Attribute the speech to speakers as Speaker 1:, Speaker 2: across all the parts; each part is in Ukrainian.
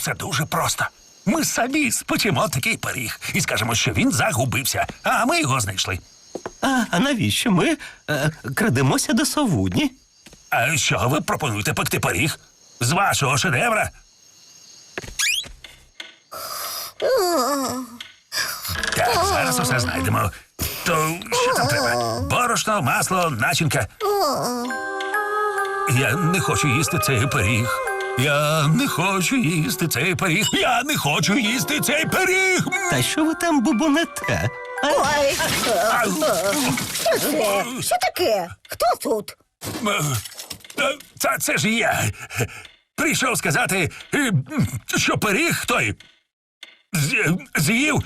Speaker 1: все дуже просто. Ми самі спечемо такий пиріг і скажемо, що він загубився, а ми його знайшли.
Speaker 2: А навіщо ми крадемося до совудні?
Speaker 1: А що ви пропонуєте пекти пиріг? З вашого шедевра? Так, зараз усе знайдемо. То що там треба? Борошно, масло, начинка. Я не хочу їсти цей пиріг. Я не хочу їсти цей пиріг. Я не хочу їсти цей пиріг.
Speaker 2: Та що ви там бубонете?
Speaker 3: Ой,
Speaker 1: Ау.
Speaker 3: що це? Що таке? Хто тут?
Speaker 1: Це ж я. Прийшов сказати, що пиріг той з'їв.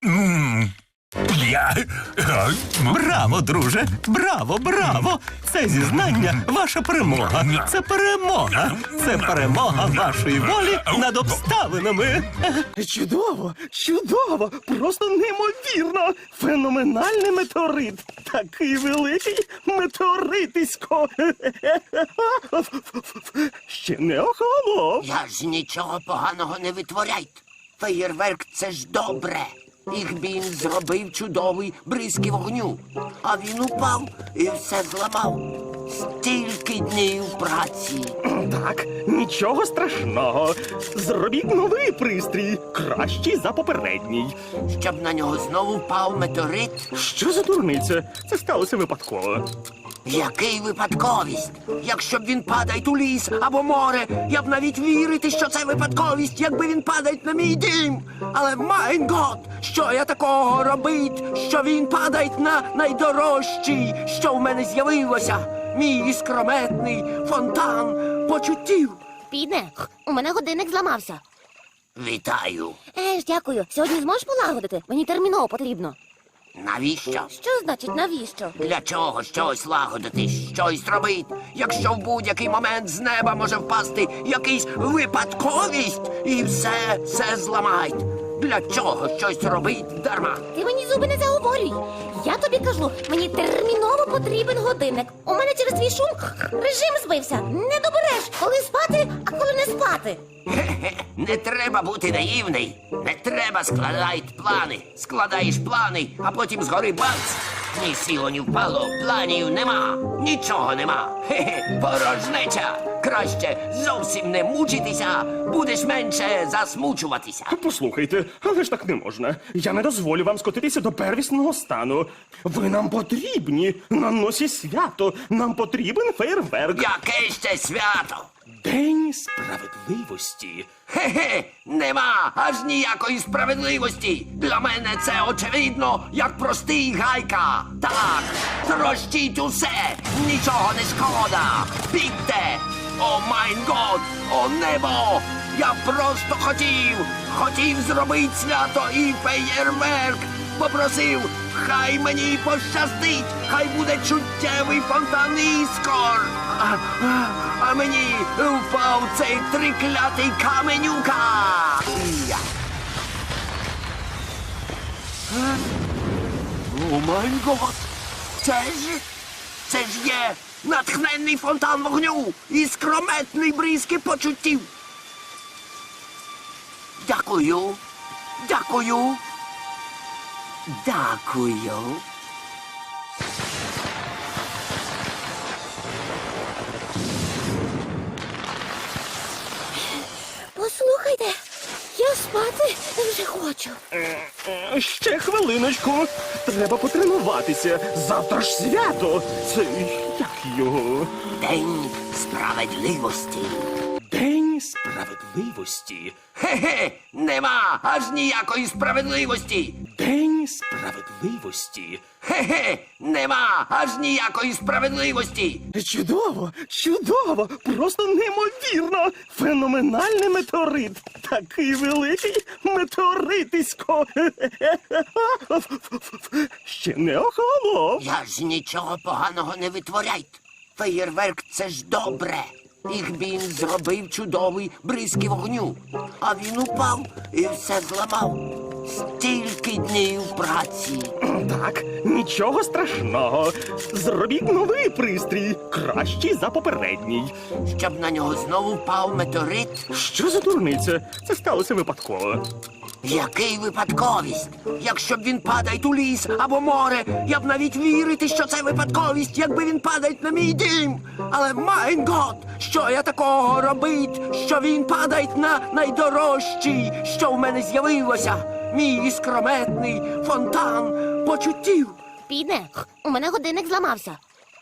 Speaker 1: Я.
Speaker 2: Браво, друже! Браво, браво! Це зізнання – ваша перемога. Це перемога. Це перемога вашої волі над обставинами.
Speaker 4: Чудово, чудово, просто неймовірно. Феноменальний метеорит. Такий великий метеоритисько. Ще не охолонув.
Speaker 5: Я ж нічого поганого не витворяйте. Феєрверк – це ж добре. Їх він зробив чудовий бризки вогню. А він упав і все зламав. Стільки днів праці.
Speaker 4: Так, нічого страшного. Зробіть новий пристрій, кращий за попередній.
Speaker 5: Щоб на нього знову впав метеорит.
Speaker 4: Що за дурниця? Це сталося випадково.
Speaker 5: Який випадковість? Якщо б він падає у ліс або море, я б навіть вірити, що це випадковість, якби він падає на мій дім. Але, майн гот, що я такого робить, що він падає на найдорожчий, що в мене з'явилося? Мій іскрометний фонтан почуттів.
Speaker 6: Піде, у мене годинник зламався.
Speaker 5: Вітаю.
Speaker 6: Дякую. Сьогодні зможеш полагодити? Мені терміново потрібно.
Speaker 5: Навіщо?
Speaker 6: Що значить навіщо?
Speaker 5: Для чого щось лагодити, щось робити, якщо в будь-який момент з неба може впасти якийсь випадковість і все зламають? Для чого щось робить дарма?
Speaker 6: Ти мені зуби не заговорюй. Я тобі кажу, мені терміново потрібен годинник. У мене через твій шум режим збився. Не добереш, коли спати, а коли не спати.
Speaker 5: Хе-хе, не треба бути наївний. Не треба складати плани. Складаєш плани, а потім згори бац. Ні сіло, ні впало, планів нема. Нічого нема. Хе-хе, порожнеча. Краще зовсім не мучитися, будеш менше засмучуватися.
Speaker 4: Послухайте, але ж так не можна. Я не дозволю вам скотитися до первісного стану. Ви нам потрібні. На носі свято. Нам потрібен фейерверк.
Speaker 5: Яке ще свято?
Speaker 4: День справедливості.
Speaker 5: Хе-хе, нема аж ніякої справедливості. Для мене це очевидно, як простий гайка. Так, трощіть усе, нічого не шкода. Бігте! О майн год, о небо! Я просто хотів зробити свято і феєрверк. Попросив, хай мені пощастить, хай буде чуттєвий фонтан іскор. А мені впав цей триклятий каменюка. Я. О май гот! Це ж є натхненний фонтан вогню і скрометний бризки почуттів. Дякую.
Speaker 6: Послухайте, я спати вже хочу.
Speaker 4: Ще хвилиночку. Треба потренуватися. Завтра ж свято. Це як його?
Speaker 5: День справедливості.
Speaker 4: День справедливості.
Speaker 5: Хе-хе, нема аж ніякої справедливості.
Speaker 4: День справедливості.
Speaker 5: Хе-хе, нема аж ніякої справедливості.
Speaker 4: Чудово, чудово, просто неймовірно. Феноменальний метеорит. Такий великий метеоритисько. Ще не охолонув.
Speaker 5: Я ж нічого поганого не витворяйте. Феєрверк – це ж добре. Їх він зробив чудовий бризки вогню. А він упав і все зламав. Стільки днів праці.
Speaker 4: Так, нічого страшного. Зробіть новий пристрій, кращий за попередній.
Speaker 5: Щоб на нього знову впав метеорит.
Speaker 4: Що за дурниця? Це сталося випадково.
Speaker 5: Який випадковість? Якщо б він падає у ліс або море, я б навіть вірити, що це випадковість, якби він падає на мій дім. Але майн гот, що я такого робить, що він падає на найдорожчий, що в мене з'явилося, мій іскрометний фонтан почуттів.
Speaker 6: Піде, у мене годинник зламався.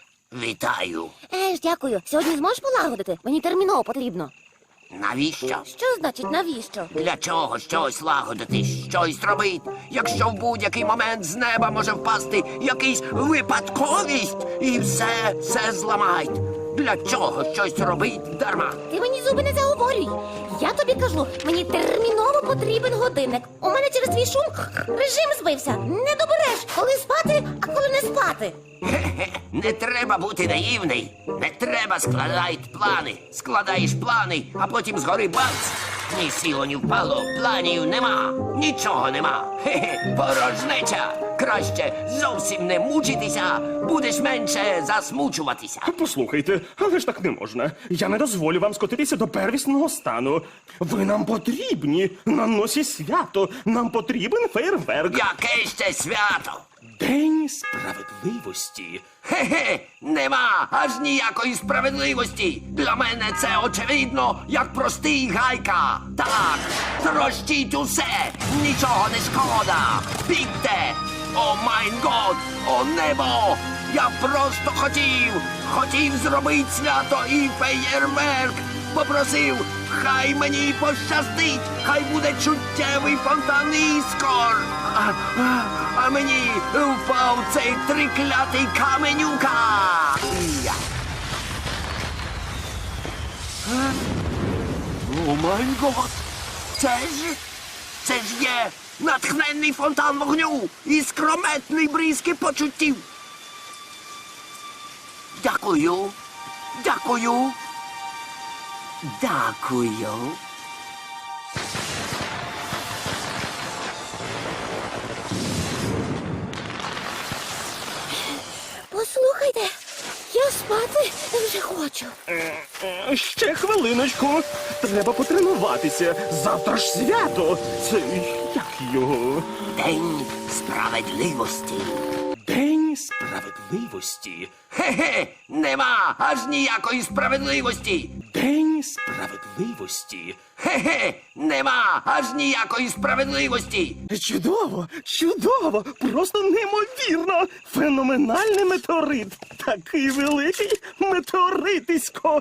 Speaker 5: Вітаю.
Speaker 6: Дякую. Сьогодні зможеш полагодити? Мені терміново потрібно.
Speaker 5: Навіщо?
Speaker 6: Що значить навіщо?
Speaker 5: Для чого щось лагодити, щось робить, якщо в будь-який момент з неба може впасти якийсь випадковість і все зламають? Для чого щось робить дарма?
Speaker 6: Ти мені зуби не заговорюй. Я тобі кажу, мені терміново потрібен годинник. У мене через твій шум режим збився. Не добереш, коли спати, а коли не спати.
Speaker 5: Хе-хе, не треба бути наївний. Не треба складати плани. Складаєш плани, а потім згори бац. Ні сіло, ні впало, планів нема, нічого нема. Хе-хе, порожнеча. Краще зовсім не мучитися, будеш менше засмучуватися.
Speaker 4: Послухайте, але ж так не можна. Я не дозволю вам скотитися до первісного стану. Ви нам потрібні на носі свято. Нам потрібен фейерверк.
Speaker 5: Яке ще свято?
Speaker 4: День справедливості.
Speaker 5: Хе-хе, нема аж ніякої справедливості. Для мене це очевидно, як простий гайка. Так, трощіть усе, нічого не шкода. Бігте! О майн год, о небо! Я просто хотів зробити свято і феєрверк. Попросив, хай мені пощастить, хай буде чуттєвий фонтан іскор. А мені впав цей триклятий каменюка. Я. О май гот! Це ж є натхненний фонтан вогню і скрометний бризки почуттів. Дякую. Дякую. Дякую.
Speaker 6: Послухайте, я спати вже хочу.
Speaker 4: Ще хвилиночку. Треба потренуватися. Завтра ж свято. Це як його?
Speaker 5: День справедливості.
Speaker 4: День справедливості.
Speaker 5: Хе-хе, нема аж ніякої справедливості.
Speaker 4: День справедливості.
Speaker 5: Хе-хе, нема аж ніякої справедливості.
Speaker 4: Чудово, чудово, просто неймовірно. Феноменальний метеорит. Такий великий метеоритисько.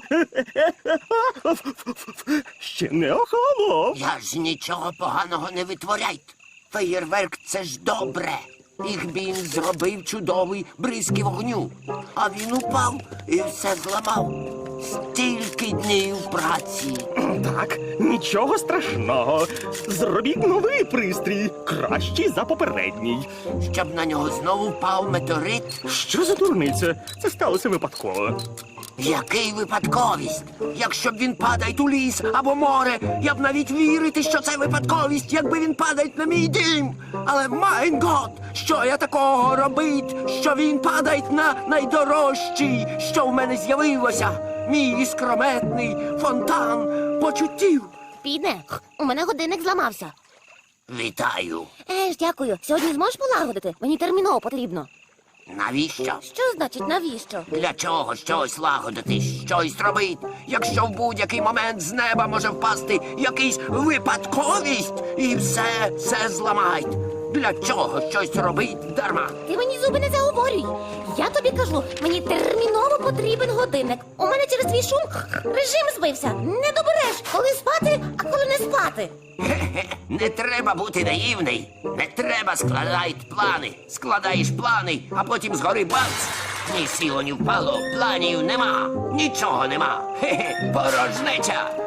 Speaker 4: Ще не охолонув.
Speaker 5: Я ж нічого поганого не витворяйте. Феєрверк — це ж добре. Їх він зробив чудовий бризки вогню. А він упав і все зламав. Стільки днів праці.
Speaker 4: Так, нічого страшного. Зробіть новий пристрій, кращий за попередній.
Speaker 5: Щоб на нього знову впав метеорит.
Speaker 4: Що за дурниця? Це сталося випадково.
Speaker 5: Який випадковість? Якщо б він падає у ліс або море, я б навіть вірити, що це випадковість, якби він падає на мій дім. Але майн гот, що я такого робить, що він падає на найдорожчий, що в мене з'явилося, мій іскрометний фонтан почуттів.
Speaker 6: Піде, у мене годинник зламався.
Speaker 5: Вітаю.
Speaker 6: Дякую. Сьогодні зможеш полагодити? Мені терміново потрібно.
Speaker 5: Навіщо?
Speaker 6: Що значить навіщо?
Speaker 5: Для чого щось лагодити, щось робить, якщо в будь-який момент з неба може впасти якийсь випадковість і все зламають? Для чого щось робить дарма?
Speaker 6: Ти мені зуби не заговорюй. Я тобі кажу, мені терміново потрібен годинник. У мене через твій шум режим збився. Не добереш, коли спати, а коли не спати.
Speaker 5: Хе-хе, не треба бути наївний. Не треба складати плани. Складаєш плани, а потім згори бац. Ні сіло, ні впало, планів нема, нічого нема. Хе-хе, порожнеча.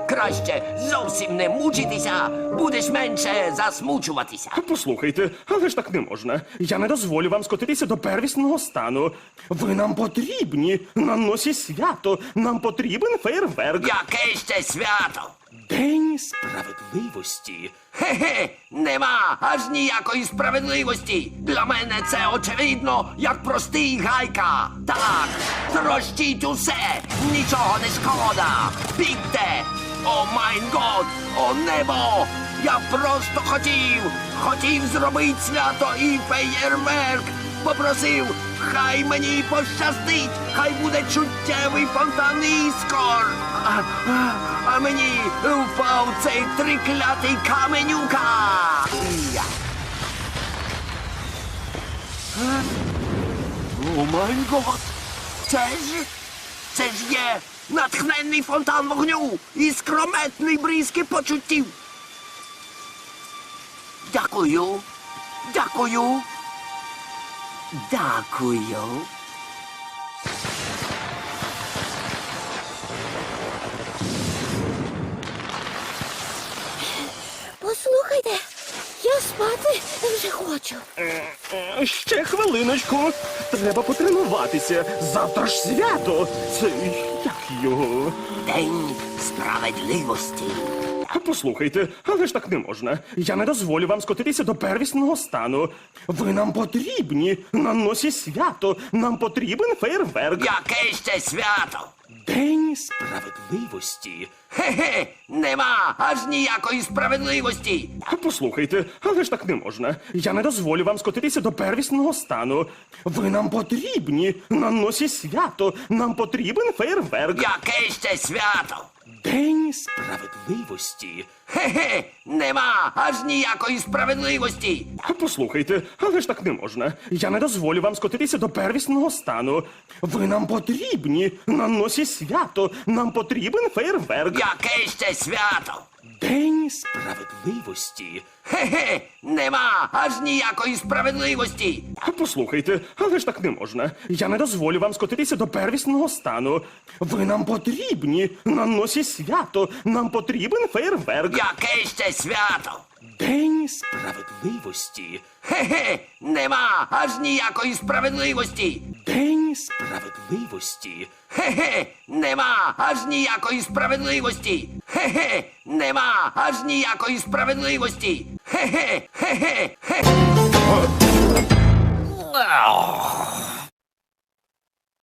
Speaker 5: Краще зовсім не мучитися, будеш менше засмучуватися.
Speaker 4: Послухайте, але ж так не можна. Я не дозволю вам скотитися до первісного стану. Ви нам потрібні на носі свято. Нам потрібен фейерверк.
Speaker 5: Яке ще свято?
Speaker 4: День справедливості.
Speaker 5: Хе-хе, нема аж ніякої справедливості. Для мене це очевидно, як простий гайка. Так, трощіть усе, нічого не шкода. Бігте! О майн год, о небо! Я просто хотів зробити свято і феєрверк. Попросив, хай мені пощастить, хай буде чуттєвий фонтан іскор. А мені впав цей триклятий каменюка. Я. О май гот! Це ж є натхненний фонтан вогню і скрометний бризки почуттів. Дякую. Дякую. Дякую.
Speaker 6: Послухайте, я спати вже хочу.
Speaker 4: Ще хвилиночку. Треба потренуватися. Завтра ж свято. Це як його?
Speaker 5: День справедливості.
Speaker 4: Послухайте, але ж так не можна. Я не дозволю вам скотитися до первісного стану. Ви нам потрібні на носі свято. Нам потрібен фейерверк.
Speaker 5: Яке ще свято?
Speaker 4: День справедливості.
Speaker 5: Хе-хе, нема аж ніякої справедливості.
Speaker 4: Послухайте, але ж так не можна. Я не дозволю вам скотитися до первісного стану. Ви нам потрібні на носі свято. Нам потрібен фейерверк.
Speaker 5: Яке ще свято?
Speaker 4: День справедливості.
Speaker 5: Хе-хе, нема аж ніякої справедливості.
Speaker 4: Послухайте, але ж так не можна. Я не дозволю вам скотитися до первісного стану. Ви нам потрібні на носі свято. Нам потрібен фейерверк.
Speaker 5: Яке ще свято?
Speaker 4: День справедливості.
Speaker 5: Хе-хе, нема аж ніякої справедливості.
Speaker 4: Послухайте, але ж так не можна. Я не дозволю вам скотитися до первісного стану. Ви нам потрібні на носі свято. Нам потрібен фейерверк.
Speaker 5: Яке ще свято?
Speaker 4: День справедливості.
Speaker 5: Хе-хе, нема аж ніякої справедливості.
Speaker 4: День справедливості.
Speaker 5: Хе-хе, нема аж ніякої справедливості. Хе-хе, нема аж ніякої справедливості. Хе-хе, хе-хе, хе.